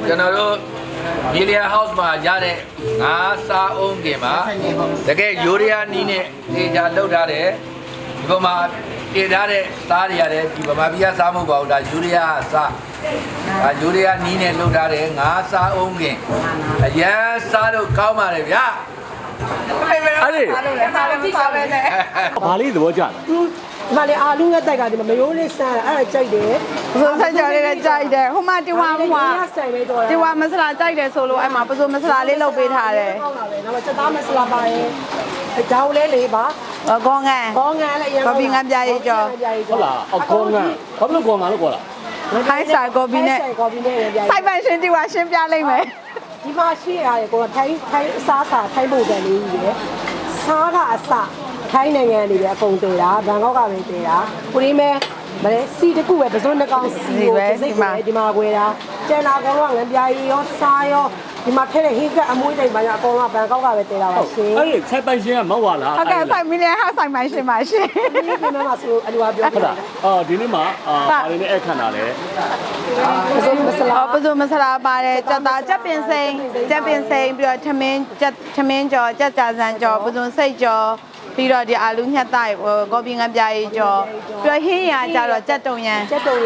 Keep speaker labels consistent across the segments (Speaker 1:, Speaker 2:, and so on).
Speaker 1: ကျွန်တော်တို့ Melia House မှာရတဲ့ငါးစားအုံးကင်မှာတကယ်ယူရီးယားနီးနဲ့တေချာလောက်ထားတယ်ဒီပေါ်မှာတင်ထားတဲ့စားတွေရတယ်ဒီဗမာပြည်ကစားမဟုတ်ပါဘူးဒါယူရီးယားစားဒါယူရီးယားနီးနဲ့လောက်ထားတယ်ငါးစားအုံးကင်အရန်စားတော့ကောင်းပါတယ်ဗျာ
Speaker 2: အဲ့ဒီဘာလေးသဘောကျလဲ
Speaker 3: ဒီမှာလေအာလူငှက်တိုက်ကဒီမယိုးလေးဆန်းအဲ့ဒါကြိုက်တယ်
Speaker 4: ပစိုးဆက်ကြော်လေးလည်းကြိုက်တယ်ဟိုမှာတီဝါတီဝါမဆလာကြိုက်တယ်ဆိုလို့အဲ့မှာပစိုးမဆလာလေးလုပ်ပေးထားတယ်
Speaker 3: ဟုတ်လားပဲနောက်ချက်သားမဆလာပါရဲ့အကြောင်းလေးလေးပါ
Speaker 4: ကောငန်း
Speaker 3: လည်းရ
Speaker 4: ကော်ဖီငန်းပြရေးကြော်
Speaker 2: ဟုတ်လားအကောငန်းဘာလို့ကောငန်းလို့ခေါ်တာ
Speaker 4: ခိုင်းစာကော်ဖီနဲ့စိုက်ပန်ရှင်တီဝါရှင်းပြလိုက်မယ်
Speaker 3: ဒီမှာရှိရတယ်ကိုထိုင်းအစားစာထိုင်းပုံစံလေးကြီးရယ်စားတာအစထိုင်းနိုင်ငံတွေပဲအကုန်တည်တာဘန်ကောက်ကပဲတည်တာကိုရင်းမဲမလဲစီတခုပဲပစုံနှကောင်စီကိုစိတ်ပဲဒီမှာကွယ်တာကျန်တာအကုန်လုံးငန်းပြားရီရောစားရောဒီမှာထဲတဲ့ဟင်းကအမွှေးတိမ်ပါညာအကုန်လုံးဘန်ကောက်ကပဲတည်တာပါရှင်
Speaker 2: အဲ့ဒီဆက်ပိုင်ရှင်ကမဟုတ်လား
Speaker 4: ဟုတ်ကဲ့5 million ဟောက်ဆိုင်ပိုင်ရှင်ပါရှင်
Speaker 3: ဒီနေ့မှာဆိုအလူအပြော
Speaker 2: ဟုတ်လားအော်ဒီနေ့မှာဘာလေးနဲ့အခန့်တာလဲ
Speaker 3: ပစုံမဆလာ
Speaker 4: ပါတယ်ကြက်သားကြက်ပင်စိမ်းပြီးတော့ထမင်းကြော်ကြက်ကြာစံကြော်ပစုံစိတ်ကြော်ပြီးတော့ဒီအာလူညှက်သားကော်ပီငန်းပြားရေးကြော်ပြီးတော့ဟင်းရကြတော့ကြက်တုံရံအကြည့်ဟုတ်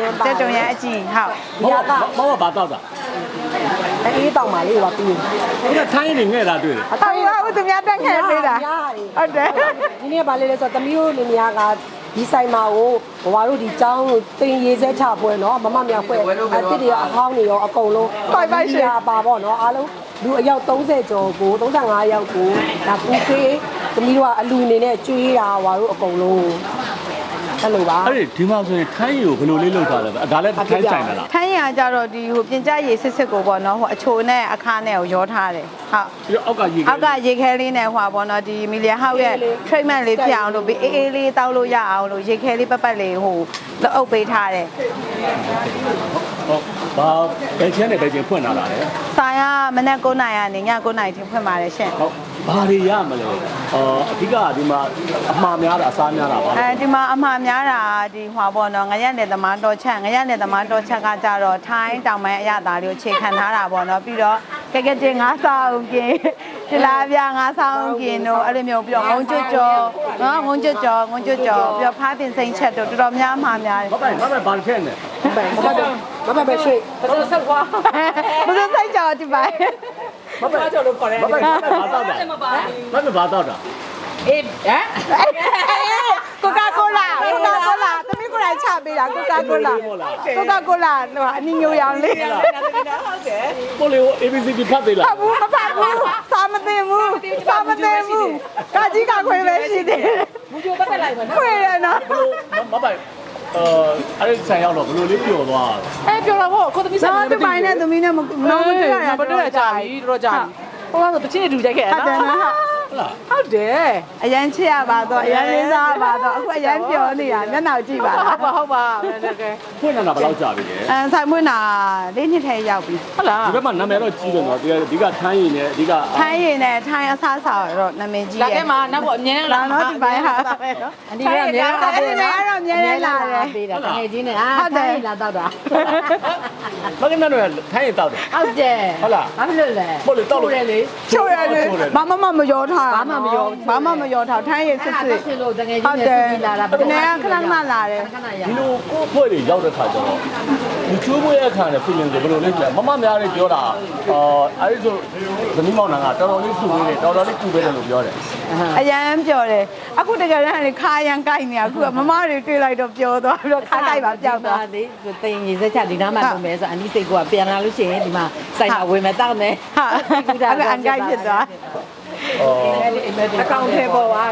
Speaker 2: မဟုတ်ဘာတော့တာ
Speaker 3: အေးတောင်ပါလေးပါပြီး
Speaker 2: ဒီကထိုင်းနေငဲ့တာတွေ့တယ်
Speaker 4: ဟုတ်သူများတက်ခဲ့ပေးတာဟုတ်တယ်
Speaker 3: ဒီနေ့ပါလေးလဲဆိုသမီးတို့နေများကဒီဆိုင်မှာကိုဘဝတို့ဒီကျောင်းကိုတင်ရေးစဲချပွဲเนาะမမမြောက်ပွဲအစ်စ်တွေရောအဟောင်းတွေရောအကုန်လုံး
Speaker 4: ပိုက်ရှင်
Speaker 3: ပါပေါ့เนาะအားလုံးလူအယောက်30ကျော်ကို35ယောက်ကိုဒါပူဖေးသမီးတို့ကအလူအနေနဲ့ကျွေးတာဟွာတို့အကုန်လုံးအဲ့လိုပါ
Speaker 2: အဲ့ဒီမှာဆိုရင်ထိုင်းရီကိုဘယ်လိုလေးလုပ်ထားလဲဒါလည်းထိုင်းဆိုင်မလား
Speaker 4: ထိုင်းရကြတော့ဒီဟိုပြင်ကြရေစစ်ကိုပေါ့နော်ဟိုအချိုနဲ့အခါနဲ့ကိုရောထားတယ်ဟုတ်
Speaker 2: ပြီးတော့အော
Speaker 4: က်ကရေခဲလေးနဲ့ဟိုပေါ့နော်ဒီမီလီယာဟောက်ရဲ့ treatment လေးဖြစ်အောင်လို့ပြီးအေးလေးတောက်လို့ရအောင်လို့ရေခဲလေးပတ်လေးဟိုလက်အုပ်ပေးထားတယ်
Speaker 2: ဟုတ်ဘာဘယ်ချင်းနဲ့ဘယ်ချင်းဖွင့်လာတာလဲ
Speaker 4: ဆိုင်ကမနက်9:00နာရီကနေည9:00နာရီထိဖွင့်ပါတယ်ရှင်
Speaker 2: ဟုတ်ဘာတွေရမလဲအဓိကဒီမှာအမှားများတာအစားများတာပါ
Speaker 4: ဒီမှာအမှားများတာဒီဟွာပေါ့နော်ငရက်နယ်သမားတော်ချက်ကကြတော့ထိုင်းတောင်ပိုင်းအရသာလေးကိုခြေခံထားတာပေါ့နော်ပြီးတော့ကဲတင်ငါးဆောင်ကင်ဒီလာပြငါးဆောင်ကင်တို့အဲ့လိုမျိုးပြီးတော့ငုံကျွတ်ကြော်နော်ငုံကျွတ်ကြော်ပြီးတော့ဖားပင်စိမ့်ချက်တို့တော်တော်များအမှားများတယ်
Speaker 2: မပဲဘာထက်နေ
Speaker 3: မပဲရွှေတော်ဆက်ကွာ
Speaker 4: ဘယ်လိုဆိုင်ကြော်ဒီပိုင်း
Speaker 3: မပဲကြော်လို့ခေါ်တယ်
Speaker 2: မပဲဘာတော့တာဘာတော့တာ
Speaker 4: အေးဟမ်ကိုကာကိုလာသမီးကိုလာချပေးတာကိုကာကိုလာဟိုအနည်းမျိုးရောင်လေး
Speaker 3: ဟုတ်တယ်
Speaker 2: ကိုလေးကို ABCD ဖတ်သေးလား
Speaker 4: မဖတ်ဘူးစာမသိဘူးကာကြီးကခွေပဲရှိတယ်
Speaker 3: မူချိုပတ်တက်လိုက်ပါနော်
Speaker 4: ခွေရနော်
Speaker 2: မပဲအဲ့ဒီဆိုင်ရောက်တော့ဘယ်လိုလေးပျော်သွား
Speaker 3: လဲပျော်တာပေါ့ကိုသမီးဆိုင်
Speaker 4: နဲ့ဒီပိုင်းနဲ့သမီးနဲ့မတွေ့ရ
Speaker 3: တာတော်ကြာပြီတော်ကြာပြီဟိုကတော့တချင်းတူကြိုက်ခဲ့နော်ဟုတ်တယ်
Speaker 4: အရန်ချစ်ရပါတော့အရန်လေးစားပါတော့အခုအရန်ပျော်နေတာမျက်နှာကြည့်ပါလား
Speaker 3: ဟုတ်ပါတကယ်
Speaker 2: ဖွင့်လာဘယ်လောက်ကြာပြီလဲ
Speaker 4: ဆိုင်မွေးနာ၄နှစ်ထဲရောက်ပြီ
Speaker 3: ဟုတ်လား
Speaker 2: ဒီဘက်မှာနာမည်တော့ကြီးတယ်နော်ဒီကထိုင်းရည်နဲ့အဓိက
Speaker 4: ထိုင်းရည်နဲ့ထိုင်းအစားစားတော့နာမည်ကြီး
Speaker 3: ရဲ့ဒါကမှနောက်ပေါ့အမြဲ
Speaker 4: လာတော့ဒီပိုင်းဟာ
Speaker 3: အန်ဒီကအမြဲလာပေး
Speaker 4: တာအဲ့တော့အမြဲလာတယ်
Speaker 3: ပေးတာတကယ်ချင်းနဲ့ထိုင်းလာတော့တာ
Speaker 2: မကင်းတော့ထိုင်းရည်တော့တယ်
Speaker 3: ဟုတ်တယ်
Speaker 2: ဟုတ်လား
Speaker 3: ဘာဖြစ်လို့လဲ
Speaker 2: ဟုတ်လေတော့
Speaker 3: တယ်လေ
Speaker 4: ချိုးရတယ်ဘာမှမရောထားဘာမှမရောထားထိုင်းရည်စစ်စစ်
Speaker 3: ဖြစ်လို့တကယ်ချင်းနဲ့လာတာ
Speaker 4: ဘယ်နဲ့ခဏလာတယ်
Speaker 2: ဒီလိုကိုယ့်ဖွဲ့တွေရောက်တဲ့ခါကျတော့ဒီချိုးပွဲအခါနဲ့ feeling ကိုဘယ်လိုလဲကြည့်မမများလေးပြောတာအဲ့ဒီဆိုသမီးမောင်နှံကတော်တော်လေးစုပေးတယ်တော်တော်လေးကူပေးတယ်လို့ပြောတယ်
Speaker 4: အရန်ပြောတယ်အခုတကယ်တမ်းလေခါရန်ကိုက်နေအခုကမမတွေတွေ့လိုက်တော့ပြောသွားပြီးတော့ခါကိုက်ပါပြောက်သွား
Speaker 3: လေတင်ရေစက်ချဒီနားမှာလုပ်မယ်ဆိုအန်ဒီစိတ်ကပြန်လာလို့ရှိရင်ဒီမှာစိုက်မှာဝင်မယ်တောက်မယ်
Speaker 4: ဟာအန်ကိုက်ဖြစ်သွား
Speaker 3: အကောင့်ထဲပေါ်ပါ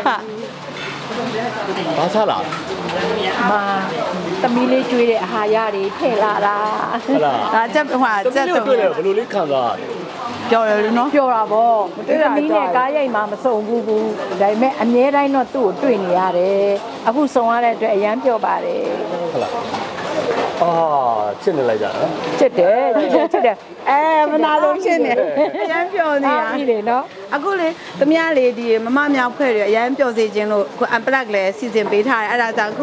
Speaker 2: ဘာစားလား
Speaker 3: မာသမီးလေးကျွေးတဲ့အဟာရတွေထည့်လာတာ
Speaker 2: ဟုတ်လား
Speaker 4: ဒါချက်ဟို
Speaker 2: ချက်တော့ဘယ်လိုလေးခံစားရလဲ
Speaker 4: ပြောရလို့နော်
Speaker 3: ပြောတာပေါ့သမီးနဲ့ကားရိုက်မှမစုံဘူးဒါပေမဲ့အမြဲတမ်းတော့သူ့ကိုတွေ့နေရတယ်အခုစုံရတဲ့အတွက်အရန်ပြောပါတယ်
Speaker 2: ဟုတ်လားချစ်နေလိုက်ကြတာ
Speaker 3: ချစ်တယ်
Speaker 4: မနာလို့ရှင်းနေအရန်ပျော်နေတာ
Speaker 3: ပြီလေနော်
Speaker 4: အခုလေသမီးလေးဒီမမမြောက်ဖွဲ့ရအရန်ပျော်စေခြင်းလို့အခု unplug လဲစီစဉ်ပေးထားတယ်အဲ့ဒါကြောင့်အခုက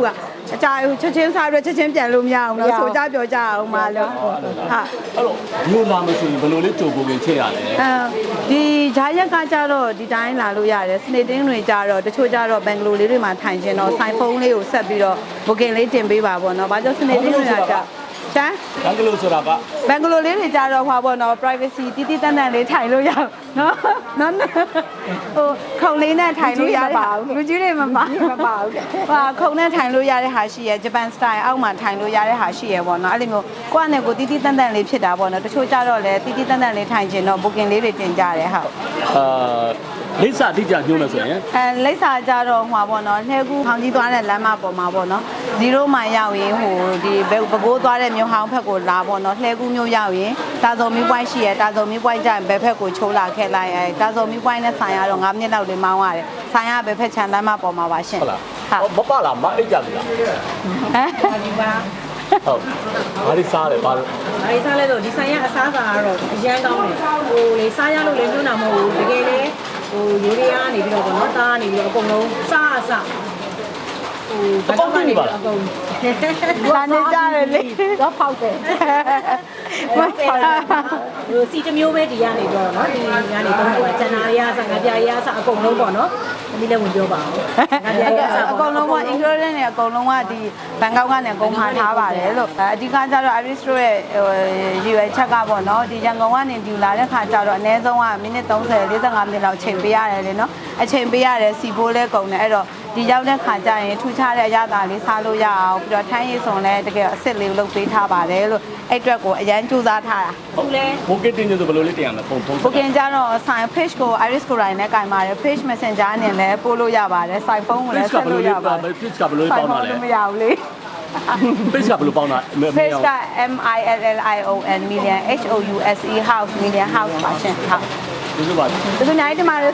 Speaker 4: အကြဘူးချက်ချင်းစားပြီးချက်ချင်းပြန်လို့မရအောင်လို့ဆိုကြပြောကြအောင်ပါလို့ဟာ
Speaker 2: အဲ့တော့မျိုးလာမဆိုရင်ဘယ်လိုလေးကြိုကိုခင်ချက်ရလဲ
Speaker 4: ဒီဂျာရက်ကကြတော့ဒီတိုင်းလာလို့ရတယ်စနေတင်းတွေကြတော့တချို့ကြတော့ဘန်ဂလိုလေးတွေမှာထိုင်ခြင်းတော့ဆိုင်ဖုန်းလေးကိုဆက်ပြီးတော့ booking လေးတင်ပေးပါပေါ့နော်။ဘာကြောင့်စနေတင်းတွေကကြချမ်း
Speaker 2: ဘန်ဂလိုဆိုတာက
Speaker 4: ဘန်ဂလိုလေးတွေကြတော့ဟွာပေါ့နော် privacy တီးတီးတန်းတန်းလေးထိုင်လို့ရအောင်နော်နော်ဟိုခုံလေးနဲ့ထိုင်လို့ရတဲ့လူကြီးတွေမပါ
Speaker 3: မပါဘူးတဲ့
Speaker 4: ဟာခုံနဲ့ထိုင်လို့ရတဲ့ဟာရှိရယ်ဂျပန်စတိုင်အောက်မှာထိုင်လို့ရတဲ့ဟာရှိရယ်ပေါ့နော်အဲ့လိုမျိုးကိုယ့်အနေကိုတီးတီးတန်းတန်းလေးဖြစ်တာပေါ့နော်တချို့ကြတော့လေတီးတီးတန်းတန်းလေးထိုင်ခြင်းတော့ booking လေးတွေတင်ကြတယ်ဟုတ်
Speaker 2: လိပ်စာအတိအကျညွှန်းမယ်ဆိုရင်
Speaker 4: လိပ်စာကြတော့ဟွာပေါ့နော်လှဲကူးဟောင်းကြီးသွားတဲ့လမ်းမပေါ်မှာပေါ့နော်0မိုင်ရောက်ရင်ဟိုဒီပဲကိုးသွားတဲ့မြို့ဟောင်းဘက်ကိုလာပေါ့နော်လှဲကူးမြို့ရောက်ရင်တာစုံမီးပွိုင်းရှိရတာစုံမီးပွိုင်းကျရင်ဘယ်ဘက်ကိုချိုးလာခဲ့လိုက်အဲတာစုံမီးပွိုင်းနဲ့ဆိုင်ရတော့9မိနစ်လောက်လေးမောင်းရတယ်ဆိုင်ရဘယ်ဘက်ချမ်းလမ်းမပေါ်မှာပါရှင်
Speaker 2: ဟုတ်လားမပလာမအိတ်ကြပြီလား
Speaker 4: ဟမ်
Speaker 3: ဒီပါ
Speaker 2: ဟုတ်ဘာလို့စားလဲဘာလို့
Speaker 3: အဲဒီစားလဲဆိုဒီဆိုင်ရအစားအစာကတော့အရန်ကောင်းတယ်ဟိုလေစားရလို့လည်းညွှန်းတာမဟုတ်ဘူးတကယ်လေဟိုရိုးရီးယားနေပြီးတော့ဗောနော်သားနေပြီးတော့အကုန်လုံးစားအစားဟိုဘာနေပါအကုန်
Speaker 4: လာနေကြတယ်လေ
Speaker 3: တော့ဖောက်တယ်ဟိုစီတမျိုးပဲဒီကနေတော့နော်ဒီကနေတော့ဟိုကျန်တာရအစားငါပြရအစားအကုန်လုံးပေါ့နော်ဒီလည်းဝင်ပြောပါအောင်ငါပြရအစား
Speaker 4: အကုန်လုံးက ingredient တွေအကုန်လုံးကဒီဘန်ကောက်ကနေအကုန်မှာထားပါတယ်လို့အဓိကကျတော့ Iris တို့ရဲ့ရည်ရွယ်ချက်ကပေါ့နော်ဒီရန်ကုန်ကနေဒီလာတဲ့ခါကျတော့အနည်းဆုံးကမိနစ်30 45မိနစ်လောက်ချိန်ပေးရတယ်လေနော်အချိန်ပေးရတယ်စီပိုးလဲကုန်တယ်အဲ့တော့ဒီရောက်တဲ့ခါကျရင်ထူခြားတဲ့အရသာလေးစားလို့ရအောင်ပြီးတော့ထိုင်းရည်စုံလဲတကယ်အစ်စ်လေးလုပ်ပေးထားပါတယ်လို့အဲ့အတွက်ကိုအရန်ကြိုးစားထားတာ
Speaker 3: ဟုတ်လဲ
Speaker 2: ဘိုကက်တင်ဆိုဘယ်လိုလေးတင်ရမလဲပုံပုံ
Speaker 4: booking ကြတော့ sign page ကို Iris ကို line နဲ့ကင်ပါတယ် page messenger အနေနဲ့ပို့လို့ရပါတယ် sign phone ကိုလည်းဆက်လို့ရပါတယ်
Speaker 2: page ကဘယ်လိုလေးပေါင်းတာလဲ
Speaker 4: မရဘူးလေ
Speaker 2: page ကဘယ်လိုပေါင်းတာ
Speaker 4: page က MILLION million HOUSE house million house ပါရှင်ဟုတ်
Speaker 2: ဒီလိုပါ
Speaker 4: ဒီလိုနိုင်ဒီမှာ